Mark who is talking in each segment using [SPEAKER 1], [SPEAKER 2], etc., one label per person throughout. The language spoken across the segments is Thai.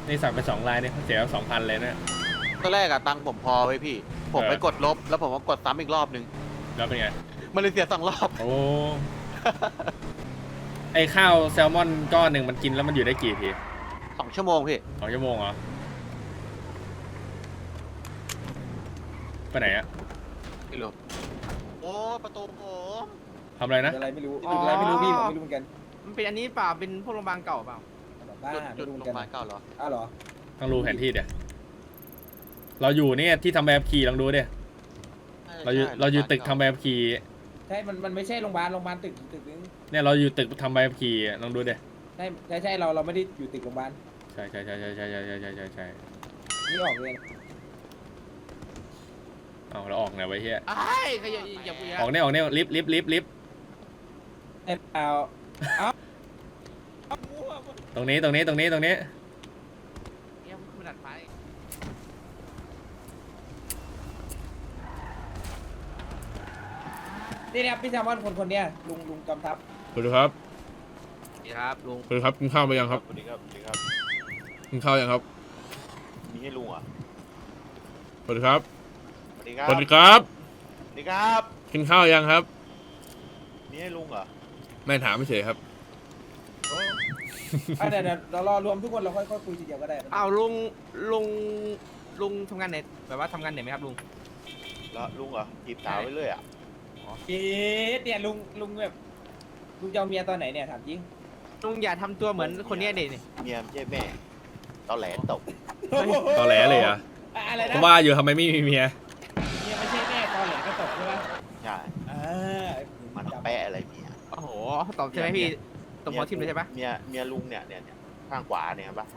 [SPEAKER 1] นี่สั่งไป2 ลายเนี่ยเสีย2,000เลยนะ
[SPEAKER 2] ตอนแรกอะตังค์ผมพอไว้พี่ ผมไปกดลบแล้วผมก็กดซ้ำอีกรอบนึง
[SPEAKER 1] แล้วเป็นไง
[SPEAKER 2] มันเลยเสีย2 รอบ
[SPEAKER 1] โอ้ ไอข้าวแซลมอนก้อนหนึ่งมันกินแล้วมันอยู่ได้กี่ที
[SPEAKER 2] 2 ชั่วโมงพี่
[SPEAKER 1] 2 ชั่วโมงเหรอ ไปไหนอะ
[SPEAKER 2] ไม่รู้โอ้ประตูผม
[SPEAKER 1] ทำอะไรนะ
[SPEAKER 3] อะไรไม่รู้อะไรไม่รู้พี่ผมไม่รู้เหมือนกัน
[SPEAKER 4] มันเป็นอันนี้เปล่าเป็นพวกโรงพยาบาลเก่าเปล่า
[SPEAKER 3] บ้า
[SPEAKER 2] จุด
[SPEAKER 3] ไม่รู้เห
[SPEAKER 2] โร
[SPEAKER 3] มือน
[SPEAKER 2] งพ
[SPEAKER 3] กัน
[SPEAKER 2] ยาบาลเก่าเหรอ
[SPEAKER 3] อ้าวเหรอ
[SPEAKER 1] ต้องรู้แผนที่เดี๋ยวเราอยู่เนี่ยที่ทำแบบขี่ลองดูเดี๋ยเราอยู่ตึกทำแบบขี่
[SPEAKER 3] ใช่มันไม่ใช่โรงพยาบาลตึกนึง
[SPEAKER 1] เนี่ยเราอยู่ตึกทำแบบขี่ลองดูเดี๋ย
[SPEAKER 3] ใช่เราไม่ได้อยู่ตึกโรงพยาบาล
[SPEAKER 1] ใช่
[SPEAKER 3] นี่ออกเลย
[SPEAKER 1] เอาเราออกไหนไว้เฮีย
[SPEAKER 4] ไอ้ขยับอย่าพูด
[SPEAKER 1] ออกเนี่ยลิฟต์
[SPEAKER 3] ไอ้เอา
[SPEAKER 1] ตรงนี้
[SPEAKER 4] เยี่ยมขึ้นดัดไฟ
[SPEAKER 3] นี่นะครับพี่แซมมอนคนเนี้ยลุงกำทัพ
[SPEAKER 1] สวัสดีครับ
[SPEAKER 4] นี่ครับลุง
[SPEAKER 1] สวัสดีครับกินข้าวไปยังครับ
[SPEAKER 5] สวัสดีครับสวัสดีครับ
[SPEAKER 1] กินข้าวยังครับ
[SPEAKER 5] มีให้ลุงเหรอ่ะ
[SPEAKER 1] สวัสดีครับ
[SPEAKER 5] สวัสดีครับ
[SPEAKER 1] สวัสดีครับ
[SPEAKER 5] สวัสดีครับ
[SPEAKER 1] กินข้าวยังครับ
[SPEAKER 5] มีให้ลุงเหรอ
[SPEAKER 1] ไม่ถามไม่เฉยครับ
[SPEAKER 3] เดี๋ยวเรารอรวมทุกคนเราค่อยคุยทีเดียวก็ได้
[SPEAKER 4] อ้าวลุงทำงานเน็ตแบบว่าทำงานเน็ตไหมครับลุง
[SPEAKER 5] แล้วลุงเหรอจีบสาวไปเรื่อยอ่ะ
[SPEAKER 3] เนี่ยลุงแบบลุงจะเอาเมียตอนไหนเนี่ยถามจริง
[SPEAKER 4] ลุงอย่าทำตัวเหมือนคนเนี้ยเด็นี่
[SPEAKER 5] เมียไม่ใช่แม่ตอแหลตก
[SPEAKER 1] ตอแหลเลยเหรอ่ะ
[SPEAKER 3] อะไร
[SPEAKER 1] ผ
[SPEAKER 3] นะ
[SPEAKER 1] มว่าอยู่ทำไมไม่มีเมีย
[SPEAKER 3] เมียไม่ใช่แม่ตอนแหลก็ตกใช่ไหม
[SPEAKER 5] ใช่ มันแปะอะไรเมีย
[SPEAKER 4] โอ้โหตอบใช่ไหมพี่ตบหัวทิ่มเลยใช่ปะ
[SPEAKER 5] เมียลุงเนี่ยข้างขวาเนี่ยเห็นปะ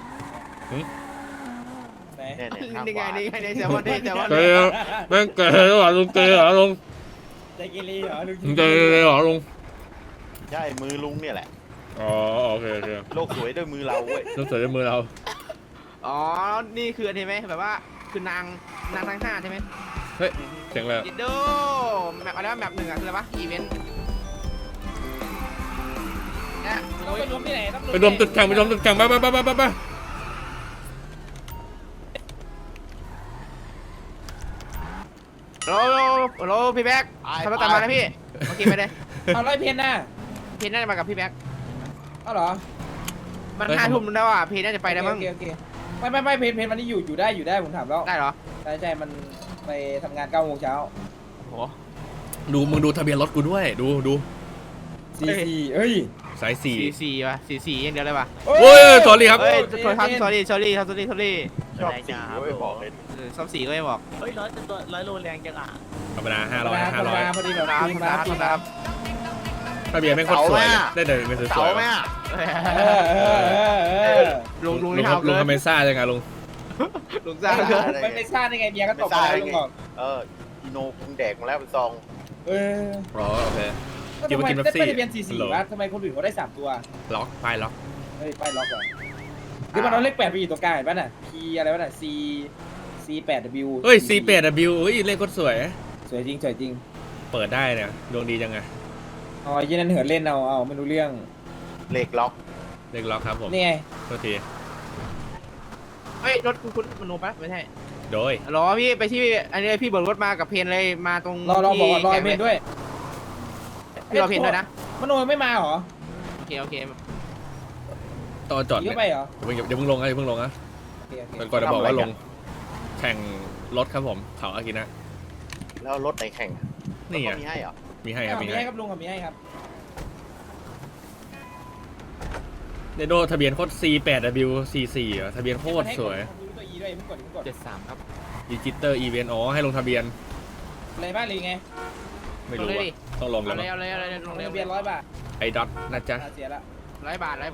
[SPEAKER 3] ไหน
[SPEAKER 5] เนี่ยข้าง
[SPEAKER 4] นี่
[SPEAKER 5] ข
[SPEAKER 4] ไง
[SPEAKER 5] วา
[SPEAKER 4] นี่ไงนี่แซมมอนนี่แซมมอน
[SPEAKER 1] เกย์แม่งเกย์เหรอลุงเกย์เหรอลุง
[SPEAKER 3] ใจกิรีเหรอลุง
[SPEAKER 1] ลุงเกย์เหรอลุง
[SPEAKER 5] ใช่มือลุงเนี่ยแหละ
[SPEAKER 1] อ๋อโอเค
[SPEAKER 5] โลกสวยด้วยมือเราเว้ย
[SPEAKER 1] ลุงเสือในมือเรา
[SPEAKER 4] อ๋อนี่คืออันนี้ไหมแบบว่าคือนางทั้งห้าใช่ไหม
[SPEAKER 1] เฮ้ยเสียงอะไร
[SPEAKER 4] ยิดโดแมปอะไรวะแมปหนึ่งอะคืออะไรวะอีเวนต์เนี่ย
[SPEAKER 3] ต้องไปรวมที่ไหนต้อง
[SPEAKER 1] ไปรวมตึกแข่งไปไป
[SPEAKER 4] โหลพี่แบ๊กทำรถตามมานะพี่โอเคไปเลย
[SPEAKER 3] เอาร้อยเพนน่ะ
[SPEAKER 4] เพนน่าจะมากับพี่แบ๊ก
[SPEAKER 3] เอาเหรอ
[SPEAKER 4] มัน5 ทุ่มแล้วอ่ะเพนน่าจะไปแล้วมั้ง
[SPEAKER 3] โอเคไม่เพนวันนี้อยู่ได้ผมถามแล้ว
[SPEAKER 4] ได้เหรอ
[SPEAKER 3] ใช่มันไปทำงาน9 โมงเช้า
[SPEAKER 4] โอ้โห
[SPEAKER 1] ดูมึงดูทะเบียนรถกูด้วยดู
[SPEAKER 3] 44เอ้ย
[SPEAKER 1] สายสี่
[SPEAKER 4] 44ว่ะ44อย่างเดียวเลยว่ะ
[SPEAKER 1] โอ้ยสอรี่ครับ
[SPEAKER 4] เฮ้ยขอโทษครับ sorry
[SPEAKER 5] ชอบสีเว้ยบอกเลย
[SPEAKER 4] ซ่อมสีก็ไม่บอก
[SPEAKER 6] เฮ้ยร้อยโลแรงจังอ่ะ
[SPEAKER 1] ธรรมดา
[SPEAKER 3] ธรรม
[SPEAKER 1] 500
[SPEAKER 3] ดาพอดีแบบ
[SPEAKER 4] ครับ
[SPEAKER 3] ปี
[SPEAKER 4] ครับ
[SPEAKER 3] ปี
[SPEAKER 4] ครับ
[SPEAKER 1] ทะเบียนแม่งโคตรสวยเลยได้เดินเป็นสวย
[SPEAKER 5] เสาไหมอ่ะ
[SPEAKER 4] ลุง
[SPEAKER 1] ลุง
[SPEAKER 4] นี่
[SPEAKER 1] ครับ
[SPEAKER 4] ทำ
[SPEAKER 1] ลุ
[SPEAKER 4] เล
[SPEAKER 1] ง
[SPEAKER 4] ย
[SPEAKER 1] ทำไมซ่าจังอะลุง
[SPEAKER 4] ลุงซ่าเกิน
[SPEAKER 3] ไม่ทราบได้ไงเมียก็ตกไปแล้วลุงบอก
[SPEAKER 5] อีโนคุงแดกมาแล้วเป็นซอง
[SPEAKER 1] อ๋อโอเค
[SPEAKER 3] ทำไมได้ทะเบียน44วะทำไมคนอื่นเขาได้3ตัว
[SPEAKER 1] ล็อกป้ายล็อก
[SPEAKER 3] เฮ้ยป้ายล็อกเหรอหรือมันเอาเลข8ไปอยู่ตรงกลางเห็นป่ะน่ะ P อะไรวะน่ะ C8W
[SPEAKER 1] เฮ้ย C8W เฮ้ยเลขโคตรสวย
[SPEAKER 3] สวยจริง
[SPEAKER 1] เปิดได้เนี่ยดวงดีจังไง
[SPEAKER 3] อ๋อยี่นั่นเหินเล่นเอาไม่รู้เรื่อง
[SPEAKER 5] เหล็กล็อก
[SPEAKER 1] เลขล็อกครับผม
[SPEAKER 3] นี่ไง
[SPEAKER 1] โทษที
[SPEAKER 4] เฮ้ยรถคุณมโนปะไม่ใช่
[SPEAKER 1] โดย
[SPEAKER 4] รอพี่ไปที่อันนี้พี่เบิกรถมากับเพนเลยมาตรง
[SPEAKER 3] รอบอกว่ารอเพนด้วย
[SPEAKER 4] พี่รอเพนด้วยนะ
[SPEAKER 3] มโนไม่มาเหรอ
[SPEAKER 4] โอเค
[SPEAKER 1] ตอนจอด
[SPEAKER 3] ขี่
[SPEAKER 1] เนี่ย
[SPEAKER 3] เข้าไปเหรอ
[SPEAKER 1] เดี๋ยวเพิ่งลงนะอย่าเพิ่งลงนะ
[SPEAKER 3] โอเค
[SPEAKER 1] ก่อนจะบอกว่าลงแข่งรถครับผมเขาอากินะ
[SPEAKER 5] แล้วรถไหนแข่ง
[SPEAKER 1] นี่ไง
[SPEAKER 5] เขามีให้เหรอ
[SPEAKER 1] มีให้ครับ
[SPEAKER 3] มี
[SPEAKER 1] มี
[SPEAKER 3] ให้
[SPEAKER 1] ให้
[SPEAKER 3] ครับลุงมีให้ครับ
[SPEAKER 1] เดโดทะเบียนโคตร C8W C4 อ่ะทะเบียนโคตรสวย
[SPEAKER 3] ตัว E ด้วยมึงกด
[SPEAKER 4] 73ครับ
[SPEAKER 1] ดิจิเตอร์อีเวนต์อ๋อให้ลงทะเบียน
[SPEAKER 3] อะไรบ้างเลยไง
[SPEAKER 1] ไม่รู้
[SPEAKER 4] ลงเลย
[SPEAKER 1] ว่า
[SPEAKER 4] ดิ
[SPEAKER 1] ต้องลง
[SPEAKER 4] เอา
[SPEAKER 1] แล้ว
[SPEAKER 4] เลย
[SPEAKER 1] มั้ง
[SPEAKER 4] เอาเลยลงเลย
[SPEAKER 3] ทะเบียน100 บาท
[SPEAKER 1] ไอ้ดอทนะจ๊ะ
[SPEAKER 3] เสียละ
[SPEAKER 4] 100 บาท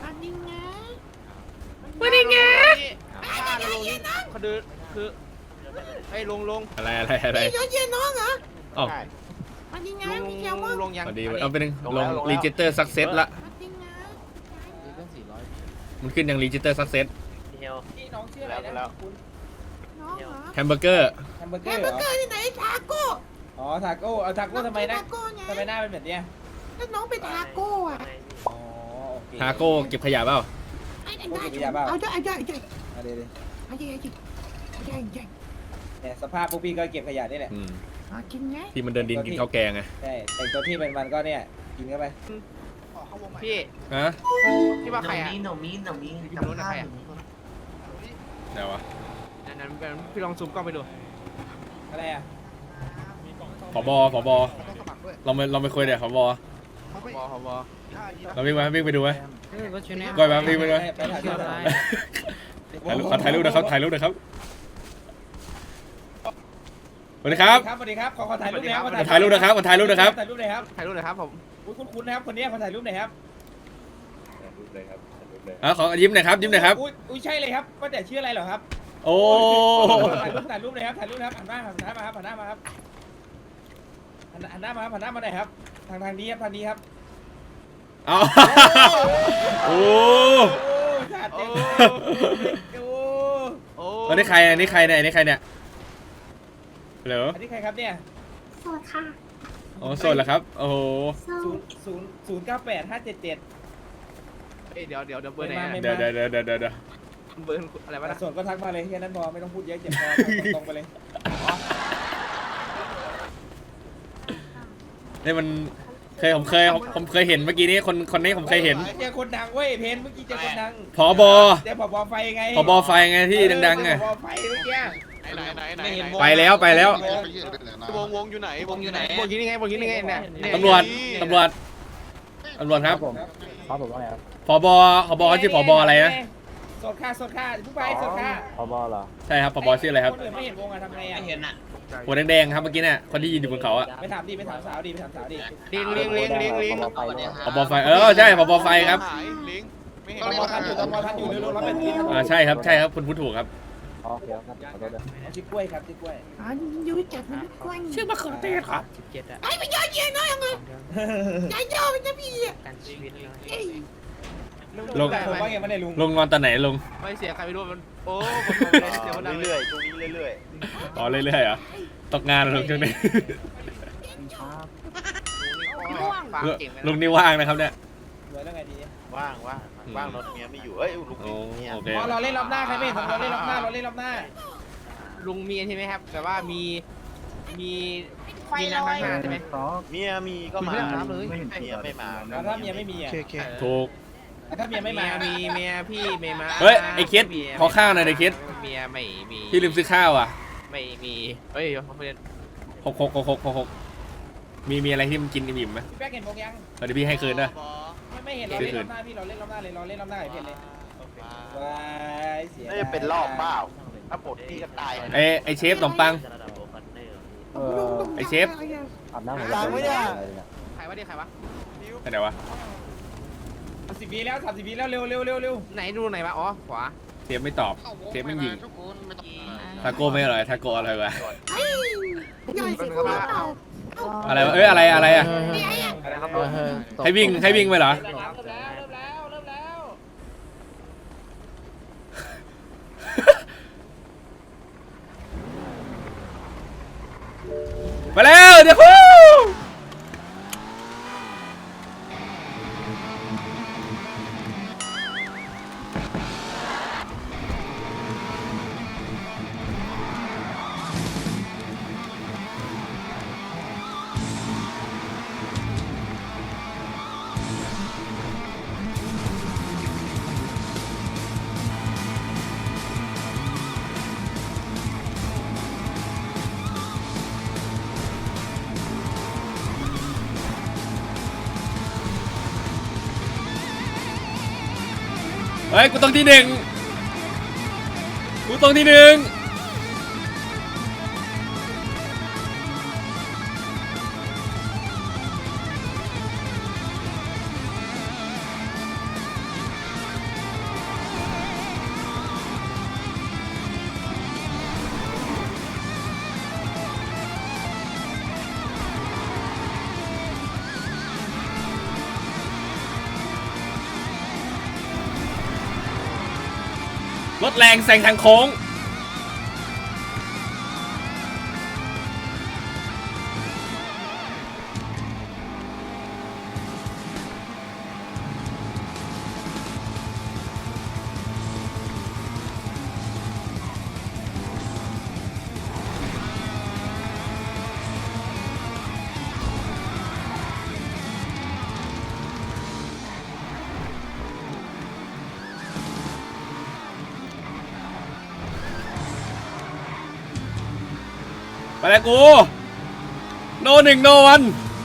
[SPEAKER 1] วันนี้ไง
[SPEAKER 4] ถ้าเราลงนี่เขาดูคือให้ลง
[SPEAKER 1] อะไร
[SPEAKER 7] ยอดเย็นน้องเหรอ
[SPEAKER 1] อ๋อ
[SPEAKER 5] ใช่
[SPEAKER 7] วันนี้ไง
[SPEAKER 4] ลง
[SPEAKER 7] พี่แคลมอน
[SPEAKER 4] ลงยัง
[SPEAKER 1] พอดีเอาไปหนึ่ง
[SPEAKER 5] ลง
[SPEAKER 1] ล
[SPEAKER 5] แล้
[SPEAKER 1] ง
[SPEAKER 5] วลงแล้ว
[SPEAKER 1] รีจิเตอร์ซักเซสละ
[SPEAKER 7] วันนี้ไง
[SPEAKER 1] มันขึ้นยังรีจิเตอร์ซักเซส
[SPEAKER 3] พี่น้องชื่ออะไรนะคุณ
[SPEAKER 7] น้องเหรอ
[SPEAKER 1] แฮมเบอร์เกอร์
[SPEAKER 3] แฮมเบอร์เก
[SPEAKER 7] แฮ
[SPEAKER 3] อ
[SPEAKER 7] ม
[SPEAKER 3] ร์
[SPEAKER 7] เบ
[SPEAKER 3] เห
[SPEAKER 7] อ
[SPEAKER 3] รอ
[SPEAKER 7] ร์เกอร์ที่ไหนทาโก้
[SPEAKER 3] อ๋อทาโก้เอาทาโก้ทำไมนะ
[SPEAKER 7] ทาโก้ไง
[SPEAKER 3] ทำไมหน้าเป็นแบบเนี้ย
[SPEAKER 7] แล้วน้องเป็นทาโก้อะ
[SPEAKER 3] อ๋อโอเค
[SPEAKER 1] ทาโก้เก็บขยะเปล่า
[SPEAKER 3] พวกเก็บขยะเปล่า
[SPEAKER 7] เอาได้
[SPEAKER 3] เอาเดี๋ยว เนี่ยสภาพพวกพี่ก็เก็บขยะนี่แหละ
[SPEAKER 1] อืม
[SPEAKER 7] กินไง
[SPEAKER 1] ที่มันเดินดินกินข้าวแกงไง
[SPEAKER 3] ใช่แต่งตัวที่เป็นมันก็เนี่ยกินเข้าไป
[SPEAKER 4] พี่
[SPEAKER 1] ฮะ
[SPEAKER 4] พี่ว่าใครอ่ะ
[SPEAKER 6] หนูมี
[SPEAKER 4] พี่รู้นะใครอ่ะ
[SPEAKER 1] ไหนวะ
[SPEAKER 4] นั้นพี่ลองซูมกล้องไปดู
[SPEAKER 3] อะไรอ่ะ
[SPEAKER 1] ผบเราไปคุยเดี๋ยวผบ
[SPEAKER 4] พบ
[SPEAKER 1] เราวิ่งไปดูไหม
[SPEAKER 6] ก็ช่วยแน่
[SPEAKER 1] ก้อยมาวิ่งไปดูไหม
[SPEAKER 3] ไปถ่ายรูปหน่อย
[SPEAKER 1] ถ่ายรูปนะครับถ่ายรูปนะครับสวัสดีครับ
[SPEAKER 3] สวัสดีครับขอถ่ายรูปหน่อยครับ
[SPEAKER 1] ถ่ายรูปนะครับถ่ายรูปนะครับ
[SPEAKER 3] ถ่ายรูปหน่อยครับ
[SPEAKER 4] ถ่ายรูปหน่อยครับผม
[SPEAKER 3] อุ๊ยคุ้นๆนะครับคนนี้ขอถ่ายรูปหน่อยครับ
[SPEAKER 1] ขอยิ้มหน่อยครับยิ้มหน่อยครับ
[SPEAKER 3] อุ้ยใช่เลยครับก็แต่ชื่ออะไรเหรอครับ
[SPEAKER 1] โอ้
[SPEAKER 3] ถ่ายรูปเลยครับถ่ายรูปนะครับหันหน้ามาครับหันหน้ามาครับหันหน้ามาครับหันหน้ามาหน่อยครับทางนี้ครับทางนี้ครับ
[SPEAKER 1] เอาโอ้
[SPEAKER 3] โอ้จัดเต็มโอ้
[SPEAKER 4] โอ้
[SPEAKER 1] อันนี้ใครเนี่ยอันนี้ใครเนี่ยเหรอ
[SPEAKER 3] อันนี้ใครครับเนี่ย
[SPEAKER 7] สวัสดีค่ะ
[SPEAKER 1] อ๋อโสดเหรอครับโอ้โห
[SPEAKER 3] 098-577
[SPEAKER 4] เดี๋ยวเบอร์ไหน
[SPEAKER 1] เดี๋ยว
[SPEAKER 4] เบอร์อะไรวะนะ
[SPEAKER 3] ส่วนก็ทักมาเลยแค่นั้นพอไม่ต้องพูดเยอะเจ็บคอตรงไปเลย
[SPEAKER 1] นี่มันผมเคยเห็นเมื่อกี้นี้คนนี้ผมเคยเห็น
[SPEAKER 3] เจอคนดังเว้ยเพนเมื่อกี้เจอคนดัง
[SPEAKER 1] ผบ
[SPEAKER 3] เจอผบไฟไง
[SPEAKER 1] ผบไฟไงที่ดังๆไง
[SPEAKER 3] ผบไฟเมื่อกี้
[SPEAKER 2] ไหน
[SPEAKER 1] ไปแล้ว
[SPEAKER 2] วงอยู่ไหนวงอยู่ไหน
[SPEAKER 4] บนที่นี่ไงเนี่ย
[SPEAKER 1] ตำรวจครับผบเขาชื่อผบอะไรนะ
[SPEAKER 3] สดค่าผู้ไปสดค่า
[SPEAKER 1] ใช่ครับผบชื่ออะไรครับ
[SPEAKER 3] คนอื่นไม่เห็นวงอะทำไงอะเห็นอะ
[SPEAKER 1] หัวแดงๆครับเมื่อกี้เนี่ยคนที่ยืนอยู่บนเขาอะ
[SPEAKER 3] ไปถามสาวดิ
[SPEAKER 4] เลี้ยง
[SPEAKER 1] ผบไฟใช่ผบไฟครับ
[SPEAKER 2] ลิงไม่เห็น
[SPEAKER 3] ตมทันอยู่เร็วๆรับเป็นที
[SPEAKER 1] ใช่ครับคุณพูดถูกครับ
[SPEAKER 3] ชื่อกล้วยครับชื่อกล้วย
[SPEAKER 7] ยูจัดมันกว้าง
[SPEAKER 1] ชื่อมะเขือเทศครับ
[SPEAKER 6] 17อ่ะ
[SPEAKER 7] ไอ้ไม่ยอดเย็นน้อยยังไงใจเจ้าเป็นพี่
[SPEAKER 6] การชีวิตเลย
[SPEAKER 7] เอ้ย
[SPEAKER 3] ลุงผมว่าไงไม่ได้ลุง
[SPEAKER 1] ลงนอนตอนไหนลง
[SPEAKER 4] ไม่เสียใครไม่รู้มันโอ้เสียมันดัง
[SPEAKER 5] เรื่อยๆช่วงนี้เรื่อย
[SPEAKER 1] อ๋อเรื่อยๆเหรอตกงานเหรอลุงช่วงนี้ ลุงนี่ว่างนะครับเนี่ย
[SPEAKER 3] รวยแล้วไงดี
[SPEAKER 5] ๆว่างรถเมียไม่อยู่เอ้ยลุง
[SPEAKER 1] โอ้
[SPEAKER 5] เนี่ย
[SPEAKER 1] โอเค
[SPEAKER 3] พอเราเล่นรอบหน้าใครไม่เห็นผมเราเล่นรอบหน้า
[SPEAKER 4] ลุงมีใช่ไหมครับ แต่ว่ามีนางทหารใช่ไหม
[SPEAKER 5] เมียมีก็มา
[SPEAKER 4] คุณไม่ได้ถามเลย
[SPEAKER 5] เมียไม่มา
[SPEAKER 3] แล้วถ้าเมียไม่มีอ่ะ
[SPEAKER 1] ถูก
[SPEAKER 3] ถ้าเมียไม่มา
[SPEAKER 4] มีเมียพี่ไม่มา
[SPEAKER 1] เฮ้ยไอ้คิดขอข้าวหน่อยไอ้คิด
[SPEAKER 4] เมียไม่มี
[SPEAKER 1] พี่ลืมซื้อข้าวอ่ะ
[SPEAKER 4] ไม่มีเฮ้ยเพื่อน
[SPEAKER 1] 6มีอะไรที่มันกินอิ่มๆไหม
[SPEAKER 3] พี่แป๊กเห็นวงยัง
[SPEAKER 1] เดี๋ยวพี่ให้คืนนะ
[SPEAKER 3] ไม่เห็นเราเล่นรอบหน้าพี่เราเล่นรอบหน้าเลยเราเล่นรอบหน้าไอ้เพชรเลยว้ายเสีย
[SPEAKER 5] น่าจะเป็นรอบเปล่าถ้าปลดพี่ก็ตาย
[SPEAKER 1] ไอเชฟขนมปัง ไอ้เชฟ
[SPEAKER 5] ตังไม่ได้
[SPEAKER 4] ใครวะใครวะ
[SPEAKER 1] ไหนวะ
[SPEAKER 3] 30 วิแล้ว30 วิแล้วเร็ว
[SPEAKER 4] ไหนดูไหนวะอ๋อขวา
[SPEAKER 1] เชฟไม่ตอบเชฟไม่ยิงทาโก้ไม่อร่อยทาโก้อร่อยวะ
[SPEAKER 7] เฮ้ยใหญ่สิคุณเปล่า
[SPEAKER 1] อะไรวะอะไรอ่ะ
[SPEAKER 3] อะไรครับ
[SPEAKER 1] ให้วิ่งไปเหรอ
[SPEAKER 3] เริ่มแล้ว
[SPEAKER 1] มาแล้วเดี๋ยวฮู้เฮ้ยกูต้องที่หนึ่งรถแรงแซงทางโค้งแล้วกูโนหนึ่งโนวัน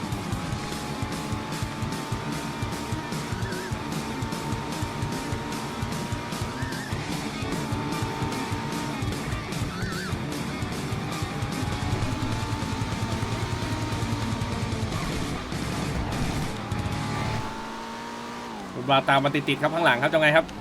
[SPEAKER 1] มาตามมาติดๆครับข้างหลังครับจะไงครับ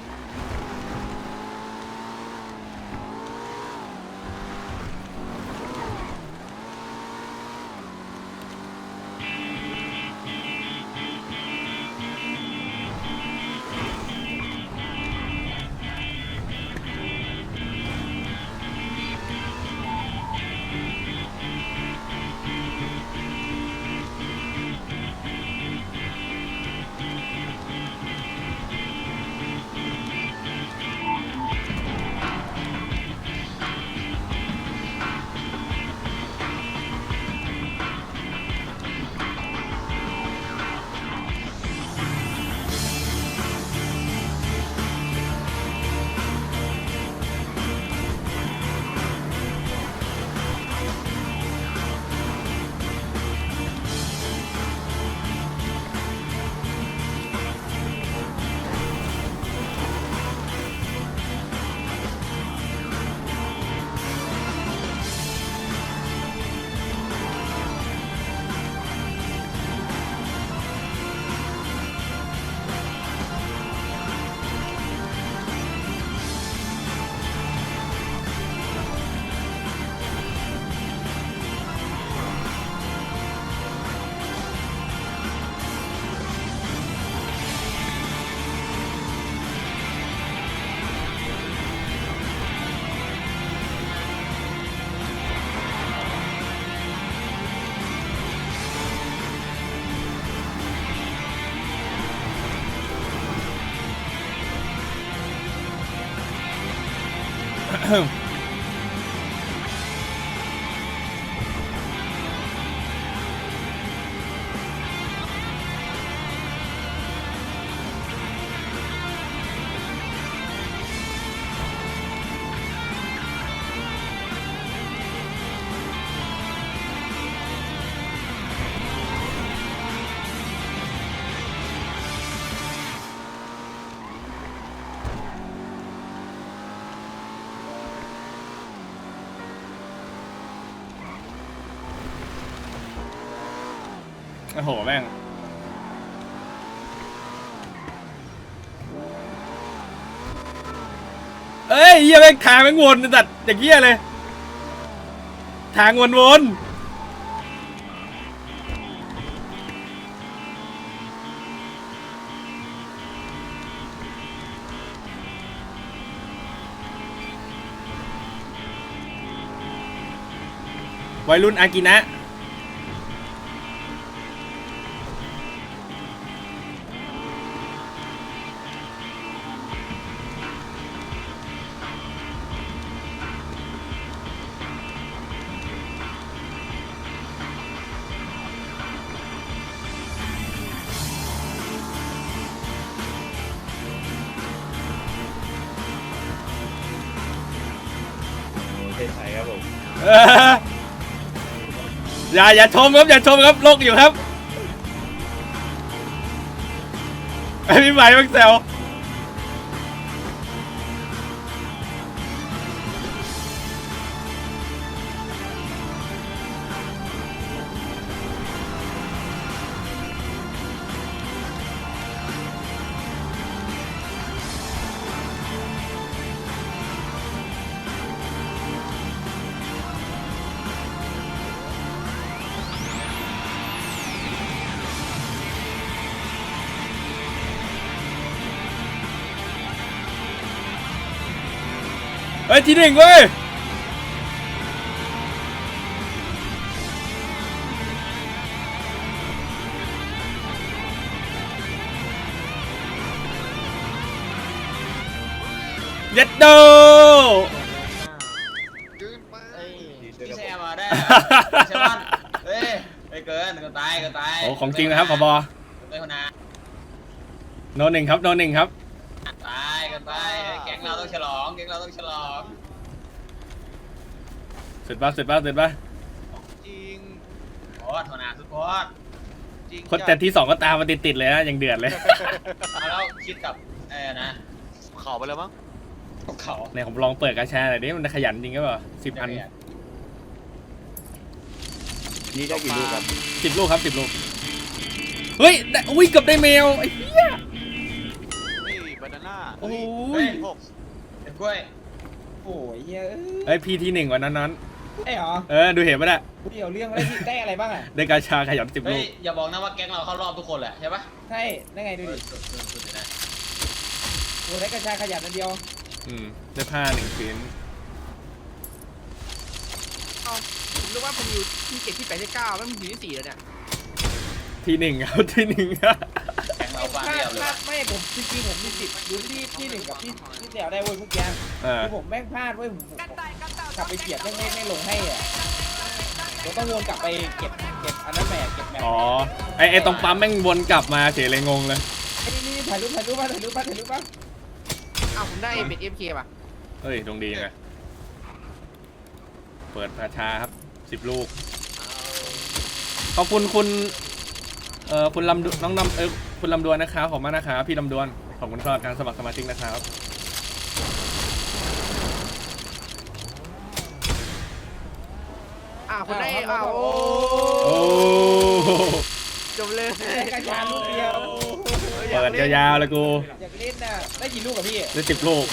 [SPEAKER 1] โอ้โหแม่งเอ้ยเหี้ยแม่งทางแม่งวนจัดอย่างเงี้ยเลยทางวนวัยรุ่นอากินะอย่าชมครับอย่าชมครับโลกอยู่ครับไอ้พี่ใหม่บังแซวเฮ้ยที่หนึ่งเว้ยเย็ดโด
[SPEAKER 6] พี่แซมมาได้ใช่ป่ะเฮ้ยไปเกินก็ตาย
[SPEAKER 1] โอ้ของจริงนะครับผบ.
[SPEAKER 6] ไปคนนา
[SPEAKER 1] โนหนึ่งครับโนหนึ่งครับ
[SPEAKER 6] ตายแก๊งเราต้องฉลอง
[SPEAKER 1] เสร็จป่ะ
[SPEAKER 2] ริง
[SPEAKER 6] โคตรหัวหน้าสุดโคตร
[SPEAKER 2] จริง
[SPEAKER 1] คนแต่ที่ 2ก็ตามมาติดๆเลยนะยังเดือดเลย
[SPEAKER 6] เอาแล้วคิดกับนะ
[SPEAKER 2] เข่าไปแล้วมั้ง
[SPEAKER 6] กับเขา
[SPEAKER 1] เนี่ยผมลองเปิดกาชาหน่อยดิมันขยันจริงก็เปล่า10 อัน
[SPEAKER 5] นี่ได้กี่ลูกครับ
[SPEAKER 1] 10 ลูกครับ10 ลูกเฮ้ยได้อุ้ยเกับได้แมวไอ้เหี้ย
[SPEAKER 2] นี่บานาน่า
[SPEAKER 1] โอ้
[SPEAKER 6] เฮ้
[SPEAKER 1] ย
[SPEAKER 6] ย
[SPEAKER 2] หก
[SPEAKER 6] เด็กกล้วย
[SPEAKER 3] โอ้ยเฮ้ย
[SPEAKER 1] ไอ้พี่ที่1วันนั้น
[SPEAKER 3] ไอ้เหรอ
[SPEAKER 1] ดูเห็นปะเนี่ย
[SPEAKER 3] เดี๋ยวเรื่องอะไรที่ได้อะไรบ้างอ่ะ
[SPEAKER 1] ได้กาชาขยัน10
[SPEAKER 6] เฮ้
[SPEAKER 1] ลู
[SPEAKER 6] ย
[SPEAKER 1] ก
[SPEAKER 6] อย่าบอกนะว่าแก๊งเราเข้ารอบทุกคนแหละใช่ปะ
[SPEAKER 3] ใช่ได้ไงดูดิ
[SPEAKER 6] สุดๆเลยนะ
[SPEAKER 3] โอ้ได้กระชายขยันอันเดียว
[SPEAKER 1] ได้ผ้า1 ชิ้น
[SPEAKER 4] ผมรู้ว่าผมอยู่ที่7ที่8ที่9แล้วมันอยู่ที่4แล้วเนี่ย
[SPEAKER 1] ที่1ครับที่1ครับ
[SPEAKER 6] แก๊งเราบ้าน
[SPEAKER 3] ถ้า
[SPEAKER 6] เรียบเลย
[SPEAKER 3] ถ้าไม่ผมจริงๆผมมีสิทธิ์ลุ้นที่1กับที่เดียวได้เว้ยเมื่อกี้ คือผมแม่งพลาดเว้ยผมกลับไปเกียบไม่ลงให้อ่ะเราต้องวนกลับไปเก็บอันนั้นแหม่เก็บแหม่
[SPEAKER 1] อ๋อไอ้ตรงปั๊มแม่งวนกลับมาเฉยเลยงงเลย
[SPEAKER 3] นี่ถ่ายรูปป่ะ
[SPEAKER 4] อ้าวผมได้เป็น FK ป่ะ
[SPEAKER 1] เฮ้ยดวงดีไงเปิดกาชาครับ10 ลูกขอบคุณคุณคุณลำน้องคุณลำดวนนะครับขอบคุณมากนะครับพี่ลำดวนขอบคุณสำหรับการสมัครสมาชิกนะครับ
[SPEAKER 4] คนได้อ้าว
[SPEAKER 1] โอ้
[SPEAKER 4] จบเลย
[SPEAKER 3] ได้กระชายลูกเดียว
[SPEAKER 1] เปิดยาวๆเลยกู
[SPEAKER 3] อยากเล่นน่ะได้กี่ลูกกับพี่
[SPEAKER 1] ได้10 ลูก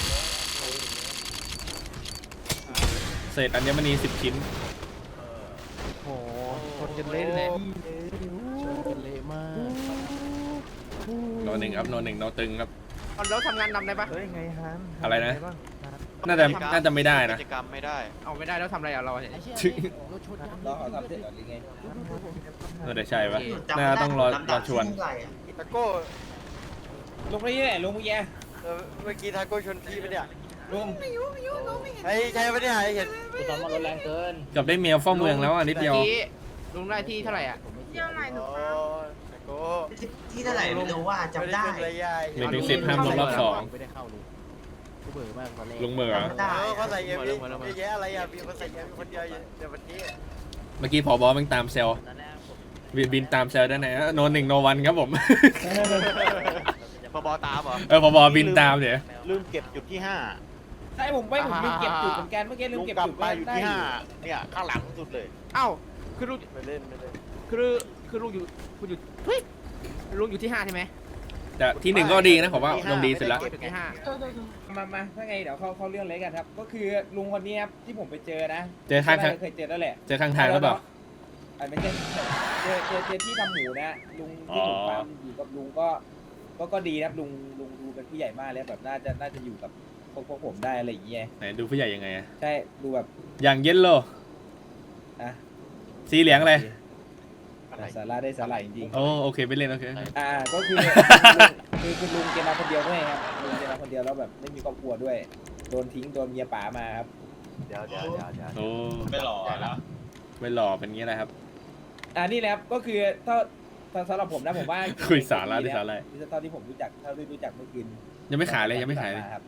[SPEAKER 1] เศษอัญมณี10 ชิ้น
[SPEAKER 5] โอ้คนจะเล่นเลยเละมาก
[SPEAKER 1] โนหนึ่งครับโนหนึ่งโนตึงครับ
[SPEAKER 4] แล้วทำงานนำได้ปะ
[SPEAKER 5] เฮ้ยไงฮัน
[SPEAKER 1] อะไรนะ น่าจะไม่ได้นะ
[SPEAKER 2] กิจกรรมไม่ได้
[SPEAKER 4] เอาไม่ได้แล้วทำอะไรอ่ะเราเนี่ย
[SPEAKER 3] รอเขาทำเสร็จก่อนหรือไง
[SPEAKER 1] เดี๋ยวใช่ปะน่าต้องรอชวน
[SPEAKER 5] ตะโก้
[SPEAKER 3] ลงไปนี่แหละลงเมื่อกี้
[SPEAKER 5] เมื่อกี้ทาโก้ชนพี่ปะเนี่ย
[SPEAKER 3] ลุง
[SPEAKER 7] ไม่รู้น้องไม่เห็น
[SPEAKER 5] ไอ้ใช่ปะเนี่ยไอ้เห็น
[SPEAKER 1] เกับได้เมียเฝ้าเมืองแล้วอ่ะนิดเดียว
[SPEAKER 4] ลุงได้ที่เท่าไหร่อ่ะ
[SPEAKER 7] เที่ยวไหนหนู
[SPEAKER 5] โอ้
[SPEAKER 7] ครับ
[SPEAKER 5] ตะโก้
[SPEAKER 8] ที่เท่าไหร่ไม่รู้ว่าจำได้
[SPEAKER 5] ม่ขึ้นเลยยาย
[SPEAKER 1] 1 ถึง 10ห้ามลงรอบ
[SPEAKER 5] ไม่ได้เข้าเลยกูเบื่อมากตอนแรก
[SPEAKER 1] 2ลุงเหมือ
[SPEAKER 8] ได้
[SPEAKER 5] เขาใส่เอ็มวีเยอะแยะอะไรอ่ะมีคนใส่เอ็มวีคนเดียวเดี๋ยววันนี้
[SPEAKER 1] เมื่อกี้ผอบอแม่งตามเซลบินตามเซลได้ไหนโนหนึ่งโนวันครับผม
[SPEAKER 2] พบตามเหรอ
[SPEAKER 1] ผอบอบินตามเดี๋ยว
[SPEAKER 5] ลืมเก็บจุดที่
[SPEAKER 3] ใช่ผมลืมเก็บจุดเหมือนกันเมื่อกี้
[SPEAKER 5] 5
[SPEAKER 3] ลืม
[SPEAKER 5] ลุง
[SPEAKER 3] เก็บ
[SPEAKER 5] กลับ
[SPEAKER 3] จุด
[SPEAKER 5] มาอยู่ที่
[SPEAKER 3] ได้
[SPEAKER 5] 5เนี่ยข้างหลังสุดเลย
[SPEAKER 4] เอ้าคือลุง
[SPEAKER 5] ไม่เล่น
[SPEAKER 4] คือลุงอยู่คุณอยู่เฮ้ยลุงอยู่ที่5ใช่ไหม
[SPEAKER 1] แต่ที่ 1ก็ดีนะผมว่าลงดีสุดละ
[SPEAKER 4] เก็บอยู่ที่5
[SPEAKER 3] มาถ้าไงเดี๋ยวเข้าเรื่องเลยกันครับ ก็คือลุงคนนี้ครับที่ผมไปเจอนะ
[SPEAKER 1] เจอข้าง
[SPEAKER 3] เคยเจอแล้วแหละ
[SPEAKER 1] เจอข้างทางหรือเปล่า
[SPEAKER 3] ไม่ใช่เจอที่ทำหมูนะลุงที่ผมฟาร์มอยู่กับลุงก็ดีครับลุงดูเป็นผู้ใหญ่มากแล้วแบบน่าจะอยู่กับพวกผมได้อะไรอย่างเงี้ย
[SPEAKER 1] ไหนดูผู้ใหญ่ยังไงอะ
[SPEAKER 3] ใช่ดูแบบ
[SPEAKER 1] อย่างเยลโล่
[SPEAKER 3] อ่ะ
[SPEAKER 1] สีเหลืองอะไร
[SPEAKER 3] สาระได้สาระจริง
[SPEAKER 1] โอเคไปเล่นโอเค
[SPEAKER 3] ๆก็คือคือลุงแกมาคนเดียวด้วยครับลุงแกมาคนเดียวแล้วแบบไม่มีครอบครัวด้วยโดนทิ้งโดนเมียป๋ามาครับ
[SPEAKER 5] เดี๋ยว
[SPEAKER 1] โอ้
[SPEAKER 6] ไม่หล่อแล้ว
[SPEAKER 1] ไม่หล่อเป็นงี้แหละครับ
[SPEAKER 3] นี่แหละครับก็คือถ้าสำหรับผมนะผมว่า
[SPEAKER 1] คุยสาระดิสาระ
[SPEAKER 3] เท่าที่ผมรู้จักเท่าที่รู้จักเมื่อคืน
[SPEAKER 1] ยังไม่ขายเลยยังไม่ขายเลย
[SPEAKER 3] ครับ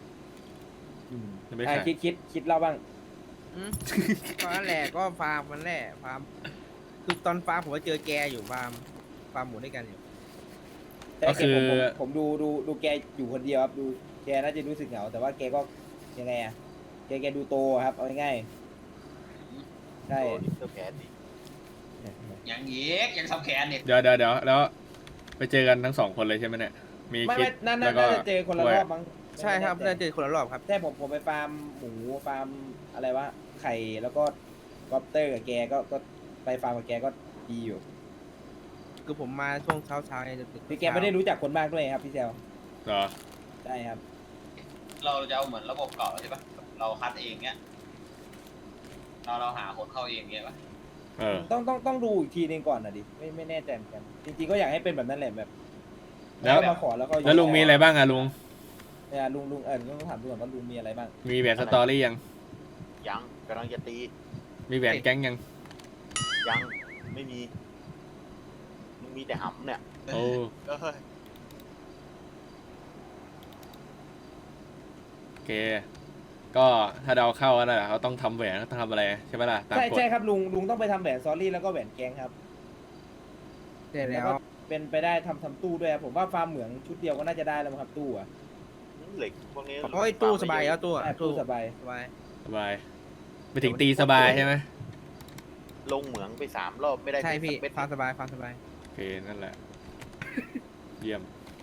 [SPEAKER 1] ยังไม่ขาย
[SPEAKER 3] คิดเล่าบ้าง
[SPEAKER 4] ตอนนั้นแหละก็ฟาร์มมันแหละฟาร์มคือตอนฟาร์มผมก็เจอแกอยู่ฟาร์มหมูด้วยกันอยู่
[SPEAKER 1] ก็คือ
[SPEAKER 3] ผมดูแกอยู่คนเดียวครับดูแกน่าจะรู้สึกเหงาแต่ว่าแกก็ยังไงอะแกดูโตครับเอาง่ายๆใช่
[SPEAKER 5] ตัวแขนดิ
[SPEAKER 6] อย่างนี้ยังทำแขนเนี่ย
[SPEAKER 1] เดี๋ยวแล้วไปเจอกันทั้ง2 คนเลยใช่ไหมเนี่ยมี
[SPEAKER 3] ไม่
[SPEAKER 1] คิด
[SPEAKER 3] น่า
[SPEAKER 1] แล้วก็
[SPEAKER 3] จะเจอคนละรอบมั้ง
[SPEAKER 4] ใช่ครับได้เจอคนละรอบครับ
[SPEAKER 3] ใช่ผมไปฟาร์มหมูฟาร์มอะไรวะไข่แล้วก็กอปเตอร์กับแกก็ไปฟาร์มกับแกก็ดีอยู่
[SPEAKER 4] คือผมมาช่วงเช้าเนี่ยจะ
[SPEAKER 3] พี่แกไม่ได้รู้จักคนมากด้วยครับพี่เซล
[SPEAKER 1] เหรอ
[SPEAKER 3] ใช่ครับ
[SPEAKER 6] เราจะเอาเหมือนระบบเก่าใช่ปะเราคัดเองเนี้ยเราหาคนเข้าเองเงี้ยปะ
[SPEAKER 3] ต้องดูอีกทีนึงก่อนนะดิไม่แน่ใจเหมือนกันจริงๆก็อยากให้เป็นแบบนั้นแหละแบบ
[SPEAKER 1] แล้ว
[SPEAKER 3] มาขอแล้วก็
[SPEAKER 1] แล้วลุงมีอะไรบ้างอะลุง
[SPEAKER 3] เนี่ยลุงต้องถามดูก่อนว่าลุงมีอะไรบ้าง
[SPEAKER 1] มีแหวนสตอรี่ยัง
[SPEAKER 5] ยังกำลังจะตี
[SPEAKER 1] มีแหวนแก๊งยัง
[SPEAKER 5] ยังไม่มีมึงมีแต่หำเนี่ย
[SPEAKER 1] โอ้
[SPEAKER 2] เอ้ย
[SPEAKER 1] โอเคก็ถ้าเดาเข้าก็นั่นแหละเขาต้องทำแหวนต้องทำอะไรใช่ไหมล่ะตาม
[SPEAKER 3] ใช่
[SPEAKER 1] กฎ
[SPEAKER 3] ใช่ครับลุงต้องไปทำแหวนซอรี่แล้วก็แหวนแกงครับ
[SPEAKER 4] เสร็จแล้ว
[SPEAKER 3] ก็เป็นไปได้ทำตู้ด้วยครับผมว่าฟาร์มเหมืองชุดเดียวก็น่าจะได้แล้วมั้งครับตู้อ่ะ
[SPEAKER 2] เหล็กพวกนี้
[SPEAKER 4] โอ้ยตู้สบายแล้วตู้อะ
[SPEAKER 3] ใช่ตู้สบาย
[SPEAKER 4] สบาย
[SPEAKER 1] สบายไปถึงตีสบายใช่ไหม
[SPEAKER 2] ลงเหมืองไป3 รอบไม่ได้
[SPEAKER 4] ใช่พี่
[SPEAKER 2] สักเม็ด
[SPEAKER 4] ฟาร์มสบายฟาร์มสบาย
[SPEAKER 1] โอเคนั่นแหละ เยี่ยม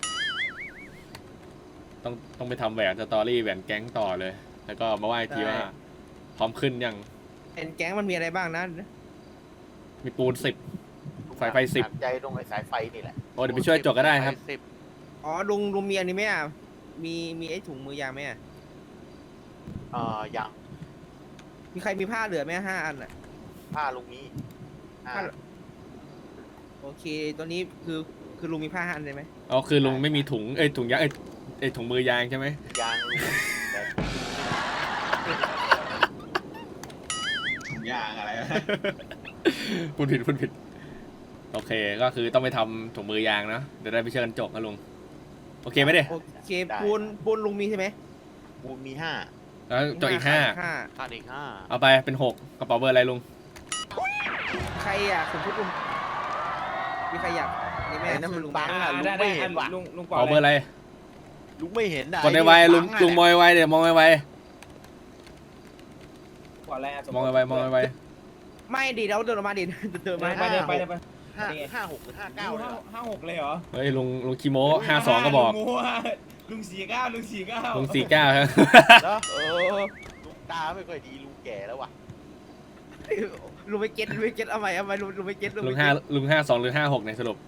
[SPEAKER 1] ต้องไปทำแหวนสตอรี่แหวนแก๊งต่อเลย แล้วก็มาไหว้ทีว่า พร้อมขึ้นยัง
[SPEAKER 4] เป็นแก๊งมันมีอะไรบ้างนะ
[SPEAKER 1] มีปูน10 สายไฟ10
[SPEAKER 2] หนักใจตรงไอ้สายไฟนี่แหละ
[SPEAKER 1] โอ้เดี๋ยวไปช่วยจกก็ได้ครับ
[SPEAKER 2] สาย10
[SPEAKER 4] อ๋อลุงมีอันนี้ไหมอ่ะมีไอ้ถุงมือยางไหมอ่ะ
[SPEAKER 2] ยัง
[SPEAKER 4] มีใครมีผ้าเหลือไหม5 อันอ่ะ
[SPEAKER 2] ผ้าลุงนี้
[SPEAKER 4] ผ้า โอเคตัวนี้คือลุงมีผ้า5 อันเลยไหม
[SPEAKER 1] อ๋อคือลุงไม่มีถุงถุงยางถุงมือยางใช่ไหม
[SPEAKER 2] ยางลุงแต่
[SPEAKER 6] อย่างอะไรนะ
[SPEAKER 1] พูดผิด โอเคก็คือต้องไปทำถุงมือยางเนาะเดี๋ยวได้ไปเชิญจกนะลุง โอเคไหมเด้
[SPEAKER 4] โอเคปูนลุงมีใช่ไหม
[SPEAKER 2] ปูมี5
[SPEAKER 1] แล้วจกอีก
[SPEAKER 4] ห้า
[SPEAKER 2] ขาดอีก
[SPEAKER 1] 5เอาไปเป็น 6 กระเป๋าเบอร์อะไรลุง
[SPEAKER 4] ใครอ่ะสมมติลุงมีใครอยากนี่
[SPEAKER 2] 5
[SPEAKER 4] ไหม
[SPEAKER 2] ไอ้นั่นมันบังอ่ะลุง
[SPEAKER 3] ได้
[SPEAKER 2] ไม่เห็นว่ะ
[SPEAKER 3] ลุง
[SPEAKER 1] กระเป๋าเบอร์อะไร
[SPEAKER 2] ลุงไม่เห็นอ่ะ
[SPEAKER 1] กดในไวลุงมองไวเดี๋ยวมองไว
[SPEAKER 3] ก่อนอะไรอ่ะ
[SPEAKER 1] มองไวมองไว
[SPEAKER 4] ไม่ดิเราเดินออกมาดิเดินมา
[SPEAKER 3] ไปเลยไป
[SPEAKER 2] 5 6 หรือ 59เนี่ย
[SPEAKER 3] 56เลยเหรอ
[SPEAKER 1] เฮ้ยลุงคิโม52ก็บอก
[SPEAKER 3] ลุง49ลุง49
[SPEAKER 1] ลุง49ครับ
[SPEAKER 2] แล้วลุงตาไม่ค่อยดีลุงแก่แล้วว่ะ
[SPEAKER 4] ลุงไม่เก็ตเอาใหม่ลุงไม่เก็ต
[SPEAKER 1] ลุง52หรือ56ในสรุป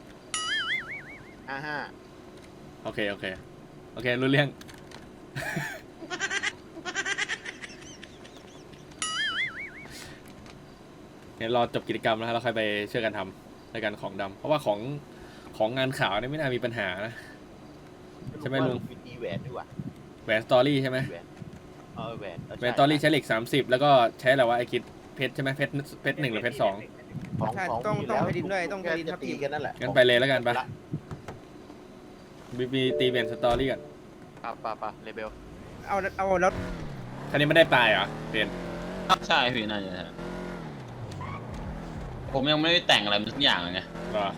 [SPEAKER 2] 55
[SPEAKER 1] โอเครู้เรื่อง เนี่ยรอจบกิจกรรมแล้วเราค่อยไปช่วยกันทำในการของดำเพราะว่าของงานข่าวเนี่ยไม่น่ามีปัญหานะ ใช่ไหมลุง
[SPEAKER 2] มีแหวนด้วยว่ะ
[SPEAKER 1] แหวนสตอรี่ใช่ไหม
[SPEAKER 2] แหวนแหวน
[SPEAKER 1] แหวนสตอรี่ใช้เหล็ก30แล้วก็ใช้อะไรวะไอคิดเพชรใช่ไหมเพชร1หรือเพชร2
[SPEAKER 4] ต้องไปดินด้วยต้องไปดินทับ
[SPEAKER 2] ตี
[SPEAKER 4] ที
[SPEAKER 2] กันนั่นแหละ
[SPEAKER 1] งั้นไปเลยแล้วกันปะบีตีแหวนสตอรี่กัน
[SPEAKER 2] ปะเลเบล
[SPEAKER 4] เอาแล้ว
[SPEAKER 1] คันนี้ไม่ได้ปลายเหรอเปลี่ยน
[SPEAKER 6] ใช่พี่น่าจะใช่ผมยังไม่ได้แต่งอะไรมันสักอย่างเลยไง
[SPEAKER 1] เหรอ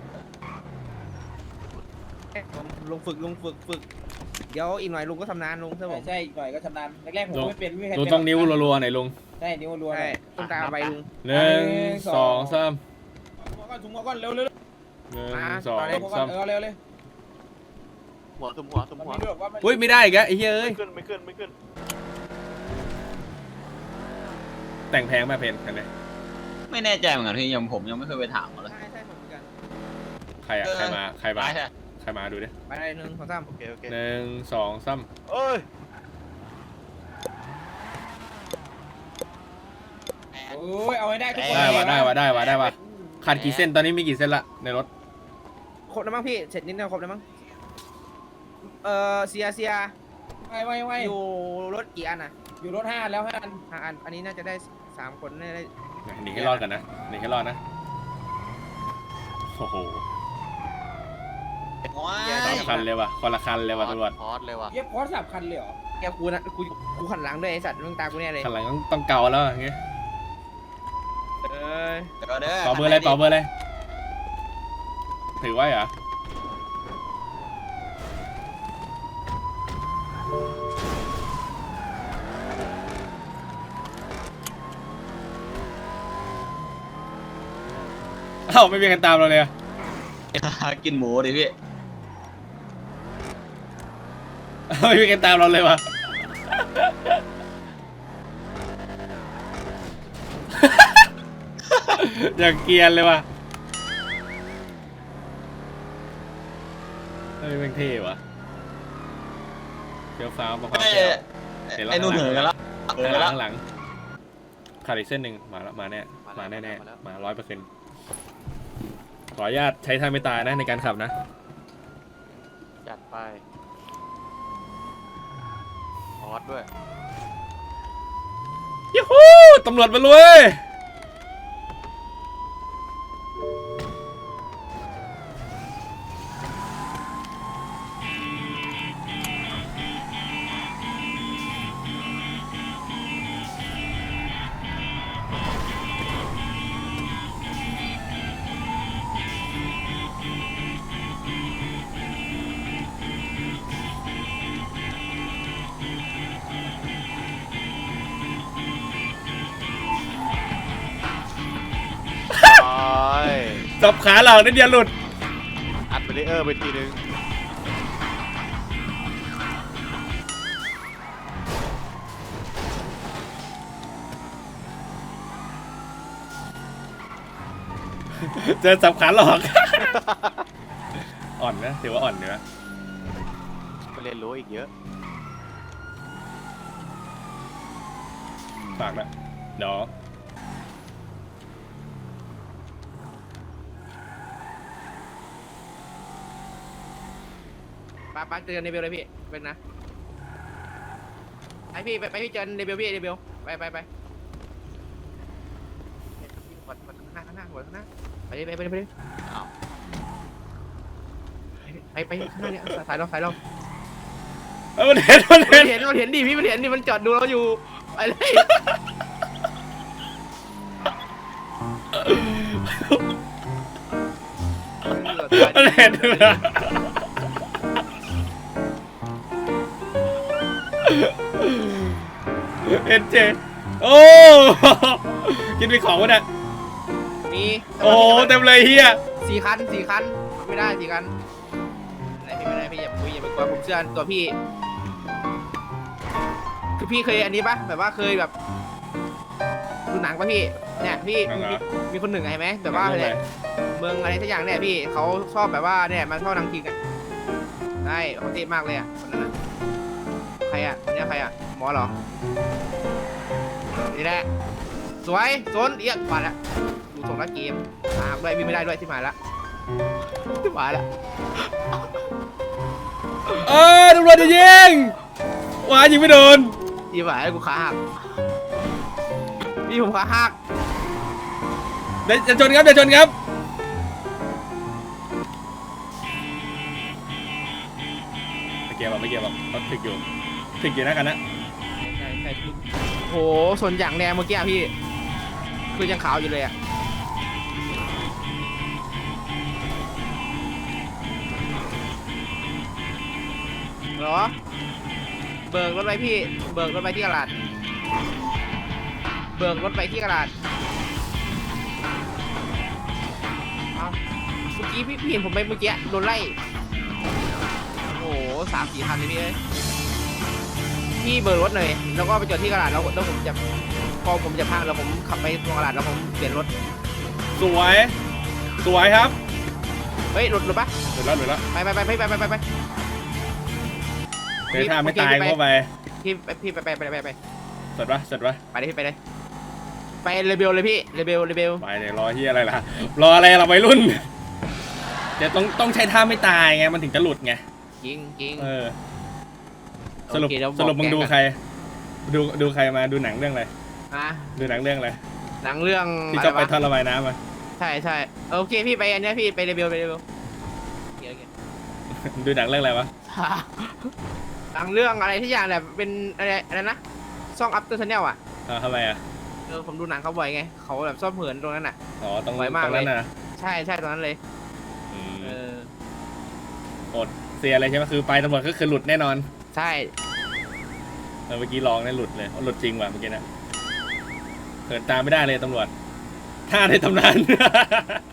[SPEAKER 4] ลุงฝึกเดี๋ยวอีกหน่อยลุงก็ทำนานลุงเชื่อผม
[SPEAKER 3] ใช่อีกหน่อยก็ชำนาญแรกๆผมไม่เป็นไม่มีใคร
[SPEAKER 1] ลุงต้องนิ้วรัวๆหน่อยลุง
[SPEAKER 3] ใช่นิ้วรัว
[SPEAKER 4] ใช่ต้องตามไปลุง
[SPEAKER 1] 1 2 3
[SPEAKER 3] ถุงหัวก่อนเร็ว
[SPEAKER 1] 1 2
[SPEAKER 3] ๆ
[SPEAKER 1] 3
[SPEAKER 3] เร็วเลย
[SPEAKER 2] หัวตุ้มหัว
[SPEAKER 1] อุ้ยไม่ได้อีกแล้วไอ้เหี้ยเอ้ย
[SPEAKER 2] ไม่ขึ้น
[SPEAKER 1] แต่งแพงไหมเพนคันนี้
[SPEAKER 6] ไม่แน่ใจเหมือนกันพี่ผมยังไม่เคยไปถามเขาเลย
[SPEAKER 4] ใช่ผมเหมือนกัน
[SPEAKER 1] ใครอะใครมา
[SPEAKER 6] ได้ใช่
[SPEAKER 1] ใครมาดูดิ
[SPEAKER 4] ไปได้1 2 3
[SPEAKER 2] โอเค
[SPEAKER 1] 1 2 3
[SPEAKER 2] เอ้ย
[SPEAKER 3] โอ้ยเอาให้ได้ทุกคน
[SPEAKER 1] ได้ว่ะขาดกี่เส้นตอนนี้มีกี่เส้นละในรถ
[SPEAKER 4] ครบแล้วมั้งพี่เสร็จนิดนึงครบแล้วมั้งเสีย
[SPEAKER 3] ไว
[SPEAKER 4] อยู่รถกี่อันอ่ะ
[SPEAKER 3] อยู่รถ5แล้ว5
[SPEAKER 4] 5 อันอันนี้น่าจะได้3 คนน่าจะได้
[SPEAKER 1] หนีให้รอดกันนะหนีให้รอดนะโอ้โห
[SPEAKER 6] ว้า
[SPEAKER 1] คน
[SPEAKER 6] ย
[SPEAKER 1] ละคันเลยว่ะคนละคันเลยว่ะตำรวจ
[SPEAKER 2] พอดเลยว่ะ
[SPEAKER 3] เย็บคอร์ส3 คันเลยเหรอ
[SPEAKER 4] แกกูนะกูขันหลังด้วยไอสัตว์มึงตากูเนี่ยเลย
[SPEAKER 1] คันหลังต้องเกาแล้วอย่างเงี้ย
[SPEAKER 6] เดี๋ยวเด้อ
[SPEAKER 1] เป่าเบอร์อะไรถือไว้เหรอเอ้าไม่มีใครตามเราเลยอะ
[SPEAKER 6] กินหมูดิพี่
[SPEAKER 1] ไม่มีใครตามเราเลยวะ อย่างเกรียนเลยวะเฮ้ยแม่งเท่วะเฟี้ยวฟ้าวมาความ
[SPEAKER 6] ไอ้
[SPEAKER 1] เฟี้ยว
[SPEAKER 6] ไอ้นู่นเหนื่อยกันแล้วเหนื่อยแล้ว
[SPEAKER 1] ข้างหลังขาดอีกเส้นหนึ่งมาแล้วมาแน่มาแน่ๆมา 100%ขออนุญาตใช้ท่าไม่ตายนะในการขับนะ
[SPEAKER 2] จัดไปพอดด้วย
[SPEAKER 1] ยูฮูตำรวจมาเลยสับขาหลอกนิดเดียวหลุด
[SPEAKER 2] อัดเบรเออร์ไปทีนึง
[SPEAKER 1] เจอสับขาหลอก อ่อนนะถือว่าอ่อนเนื้อ
[SPEAKER 2] ไปเรียนรู้อีกเยอะ
[SPEAKER 1] ฝากนะเดี๋ยว
[SPEAKER 4] ป้าเจอในเบลเลยพี่เป็นนะไอพี่ไปพี่เจอในเบลพี่ในเบลไปกดข้างหน้าไปไปข้างหน้าเนี่ยสายเรา
[SPEAKER 1] มันเห็น
[SPEAKER 4] มันเห็นดิพี่มันเห็นดิมันจอดดูเราอยู่ไปเลย
[SPEAKER 1] มันเห็นเอ็นเจโอ้กินไปของวะเนี่ย
[SPEAKER 4] มี
[SPEAKER 1] โอ้เต็มเลยเฮีย
[SPEAKER 4] 4 คันไม่ได้4 คันไม่ได้พี่อย่าคุยอย่าไปกลัวผมเชื่อตัวพี่คือพี่เคยอันนี้ปะแบบว่าเคยแบบดูหนังปะพี่เนี่ยพี่มีคนหนึ่งไงไหมแบบว่าเนี่ยเมืองอะไรสักอย่างเนี่ยพี่เขาชอบแบบว่าเนี่ยมันชอบนางคิงอ่ะใช่เขาเท่มากเลยอ่ะคนนั้นใครอ่ะเนี่ยใครอ่ะหมอเหรอนี่แหละสวยโซนเอี๊ยดมาแล้วดูส่งรักเกมด้วยวิ่งไม่ได้ด้วยที่หมายละ
[SPEAKER 1] ตำรวจจะยิงว้ายิงไม่โดน
[SPEAKER 4] ที่หมายกูขาหักพี่ผมขาหัก
[SPEAKER 1] เดี๋ยวชนครับไม่เกี่ยวเขาถึกอยู่นะกันนะ
[SPEAKER 4] ใช่โหส่วนอย่างแดงเมื่อกี้พี่คือยังขาวอยู่เลยอ่ะเหรอเบิกรถไปที่กระดาษเอ้าเมื่อกี้พี่เห็นผมไปเมื่อกี้โดนไล่โอ้โห3-4 คันเลยพี่เอ้ยพี่เบิกรถหน่อยแล้วก็ไปจอดที่กระดาษแล้วผมจะพอผมจะพังแล้วผมขับไปตรงกระดาษแล้วผมเปลี่ยนรถ
[SPEAKER 1] สวยครับ
[SPEAKER 4] เฮ้ยหลุดปะ
[SPEAKER 1] หลุดแล้ว
[SPEAKER 4] ไป
[SPEAKER 1] เดี๋ยวถ้าไม่ตายก็ไป
[SPEAKER 4] พี่ไป
[SPEAKER 1] สดปะ
[SPEAKER 4] ไปเลยพี่ไปเลยไปเรเบลเลยพี่เรเบล
[SPEAKER 1] ไปเดี๋ยวรอที่อะไรล่ะรออะไรเราวัยรุ่นเดี๋ยวต้องใช้ท่าไม่ตายไงมันถึงจะหลุดไง
[SPEAKER 4] จริง
[SPEAKER 1] สรุป
[SPEAKER 4] โอเคเดี๋ยวบอก
[SPEAKER 1] มึงดูใครดูใครมาดูหนังเรื่องอะไร
[SPEAKER 4] อ่ะ
[SPEAKER 1] ดูหนังเรื่องอะไร
[SPEAKER 4] หนังเรื่อง
[SPEAKER 1] ที่ชอบไปท่อระบายน้ำมา
[SPEAKER 4] ใช่โอเคพี่ไปอันนี้พี่ไปเรเบล
[SPEAKER 1] ดูหนังเรื่องอะไรวะ
[SPEAKER 4] หนังเรื่องอะไรที่อย่างแบบเป็นอะไรนะซ่องอัพเตอร์ชาแนลอ่ะ
[SPEAKER 1] ทำไมอ่ะ
[SPEAKER 4] ผมดูหนังเขาบ่อยไงเขาแบบชอบเหินตรงนั้นอ่ะ
[SPEAKER 1] อ๋อตรง
[SPEAKER 4] บ่อยมาก
[SPEAKER 1] นั้น
[SPEAKER 4] เลย
[SPEAKER 1] นะ
[SPEAKER 4] ใช่ตรงนั้นเลยอ
[SPEAKER 1] อดเสียอะไรใช่ไหมคือไปตำรวจก็คือหลุดแน่นอน
[SPEAKER 4] ใช่
[SPEAKER 1] เมื่อกี้ลองเนี่ยหลุดเลยหลุดจริงว่ะเมื่อกี้นะเหินตามไม่ได้เลยตำรวจท่าในตำนาน